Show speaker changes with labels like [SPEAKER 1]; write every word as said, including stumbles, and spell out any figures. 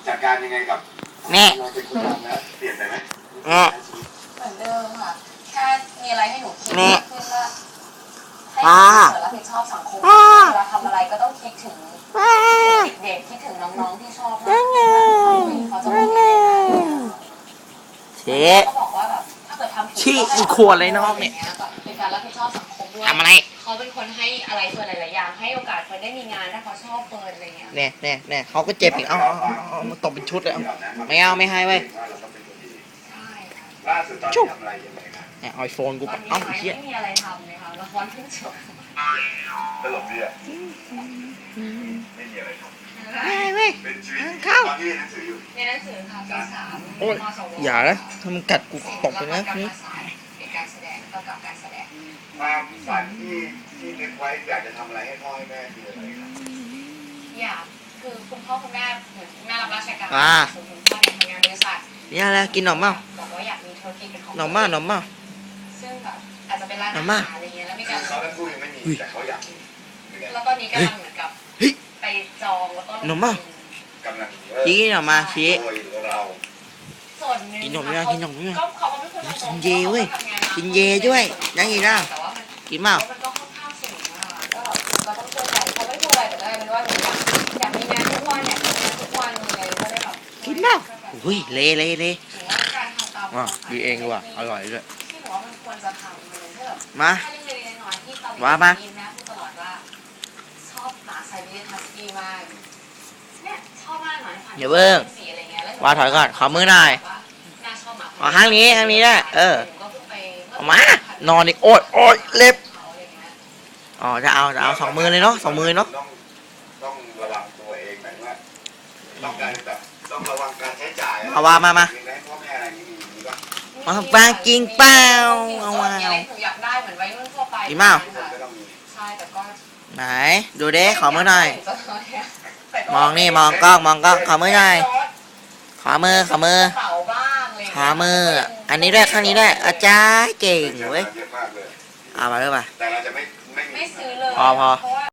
[SPEAKER 1] จัดการยังไงกับ
[SPEAKER 2] แม่
[SPEAKER 1] เราเป็นคนทำแล้วเปลี่ยนไปไหม
[SPEAKER 2] แม่
[SPEAKER 3] เหมือนเดิมค่ะแค่มีอะไรให้หนูคิด
[SPEAKER 2] แม่
[SPEAKER 3] ขึ้นว่าให้หนูรับผิดชอบสังคมเวลาทำอะไรก็ต้องคิดถึงเด็กๆคิดถึงน้องๆที่ชอบมากเขาจะบอก
[SPEAKER 2] เชฟ
[SPEAKER 3] เขาบอกว่าแบบถ้าเกิดทำผิด
[SPEAKER 2] ชี้มึงขวดเลยน้องเนี่ย
[SPEAKER 3] เป็นการรับผิดชอบสังคมด้วย
[SPEAKER 2] ทำอะไร
[SPEAKER 3] เขาเป็นคนให้อะไรเฟิร์นหลายๆอย่างให้โอกาสเฟิร์นได้มีงานถ้าเขาชอบเฟิร์นอะไรเงี้ย
[SPEAKER 2] เนี่ยเนี่ยเนี่ยเขาก็เจ็บอีกเอาเอาเอาเอามาตบเป็นชุดเลยเอาไม่เอาไม่ให้เว้ย
[SPEAKER 3] ใช่ค่ะ
[SPEAKER 1] ล่าสุดตอนนี้ทำอะไรยังไงครับ
[SPEAKER 2] เนี่ยไอโฟนกู
[SPEAKER 3] ตอนนี้
[SPEAKER 2] เอ้า
[SPEAKER 3] ไม่
[SPEAKER 2] เชี่ย
[SPEAKER 3] มีอะไรทำเลยค่ะละครเพิ่งจบ
[SPEAKER 1] ตลกดีอ่ะไม่มีอะไรทำ
[SPEAKER 2] ไม่เว้ย
[SPEAKER 1] เป็นชีวิต
[SPEAKER 2] เข้า
[SPEAKER 1] ตอนที่เรียนหนังสืออยู่
[SPEAKER 3] ในหนังสือค่ะปีสาม
[SPEAKER 2] โอ้ย
[SPEAKER 3] มสว
[SPEAKER 2] อย่านะถ้ามันกัดกูตบไปนะ
[SPEAKER 3] ศิลปกรรม
[SPEAKER 2] นี่
[SPEAKER 3] ศาสตร์เป็นการแสดงกำกับการแสดง
[SPEAKER 1] ความฝันที่ที่นึกไว้อยากจะทำอะไรให้พ่อให้แม่คืออะไรครับ
[SPEAKER 3] อยากคือคุณพ่อคุณแม่เหมือนคุณแม่รับราชการ
[SPEAKER 2] อ่า
[SPEAKER 3] ส่วนคุณพ่อเนี่ยทำงานบริษัท
[SPEAKER 2] นี่อะไรกินหนมเปล่า
[SPEAKER 3] บอกว่าอยากมีธุรกิจเป็นของ
[SPEAKER 2] หนมเปล่าหนมเปล่า
[SPEAKER 3] ซึ่งแบบอาจจะเป็นร้าน
[SPEAKER 2] หน
[SPEAKER 3] อาม
[SPEAKER 2] มา
[SPEAKER 3] หารอะไรเงี้ยแล้วมีการ
[SPEAKER 1] เขาทั้งคู่ยังไม่มีแต่เขาอยากมีเหมือนกัน
[SPEAKER 3] แล้วตอนนี้กำลังเหมือนกับ
[SPEAKER 2] เฮ้ย
[SPEAKER 3] ไปจองแล้วก็ลง
[SPEAKER 2] หนมเปล่า
[SPEAKER 1] กำลัง
[SPEAKER 2] ชี้หนมมาชี้
[SPEAKER 1] โดยเรา
[SPEAKER 3] ส่วนหนึ่ง
[SPEAKER 2] กินหนมยังกินหนมยัง
[SPEAKER 3] ก็เขาก็ไม่ควรจะ
[SPEAKER 2] กินเยเว้ยกินเยด้วยยังอีกนะ
[SPEAKER 3] แต่ว่ามัน
[SPEAKER 2] กินเปล่า
[SPEAKER 3] มันก็ค่อนข้างสูงอะก็เราต้องช่วยกันเขาไม่พูดอะไรแต่ก็เลยเป็นว่าหนูอยากอยากมีงานทุกวันเนี่ยทำงานทุกวันเลยก็ได้แบบ
[SPEAKER 2] กินเปล่าอุ้ยเละเละเละ
[SPEAKER 3] ถือว่าการทำตาม
[SPEAKER 2] อ่ะดีเองดีกว่าอร่อยด้วย
[SPEAKER 3] ที่หนูว่ามันควรจะทำเลยถ้าแบบ
[SPEAKER 2] มา
[SPEAKER 3] ถ้าเล็กๆน้อยๆที่ตอน
[SPEAKER 2] ว่ามา
[SPEAKER 3] นี้แม่พูดตลอดว่าชอบหมาไซบีเรียนฮัสกี้มากเนี่ยชอบมากหมาพันธุ์
[SPEAKER 2] อย่าเบิ่ง
[SPEAKER 3] สีอะไรเงี้ยแล้วหนู
[SPEAKER 2] ว่าถอยก่อนขอมือหน่อย
[SPEAKER 3] น่าชอบหมา
[SPEAKER 2] อ๋อข้างนี้ข้างนี้ได้เออ
[SPEAKER 3] หนูก็เพิ่งไป
[SPEAKER 2] เอามานอนอีกโอ๊ยโอ๊ยเล็บ
[SPEAKER 3] เขาอะไรเงี้ย
[SPEAKER 2] อ๋อจะเอาจะเอาสองมือเลยเนาะสองมือเนาะ
[SPEAKER 1] ต้องต้องระวังตัวเองหมายว่าต้องการแบบต้องระวังการใช้จ่าย
[SPEAKER 2] เอาว่ามามา
[SPEAKER 1] เลี้ยงพ่อแม่อะไรอย่างนี้มีป่ะ
[SPEAKER 2] เอาปลากินเปล่าเอาว่า
[SPEAKER 3] มีอะไรหนูอยากได้เหมือนวัยรุ่นทั่วไป
[SPEAKER 2] กินเปล่า
[SPEAKER 1] คนก็ต้องมี
[SPEAKER 3] ใช่แต่ก็
[SPEAKER 2] ไหนดูเด้ขอมือหน่อย
[SPEAKER 3] แต่ก็
[SPEAKER 2] มองนี่มองกล้องมองกล้องขอมือหน่อยขอมือขอมือ
[SPEAKER 3] กระเป๋าบ้างอะไร
[SPEAKER 2] ขอมือ อันนี้ด้วยข้างนี้ด้วยอาจารย์เก่งเว้ย
[SPEAKER 1] เยอะมากเลย
[SPEAKER 2] เอามาด้วยป่ะ
[SPEAKER 1] แต่เราจะไม่ไม่มี
[SPEAKER 3] ไม่ซื้อเลย
[SPEAKER 2] พอพอ
[SPEAKER 3] เพราะว่า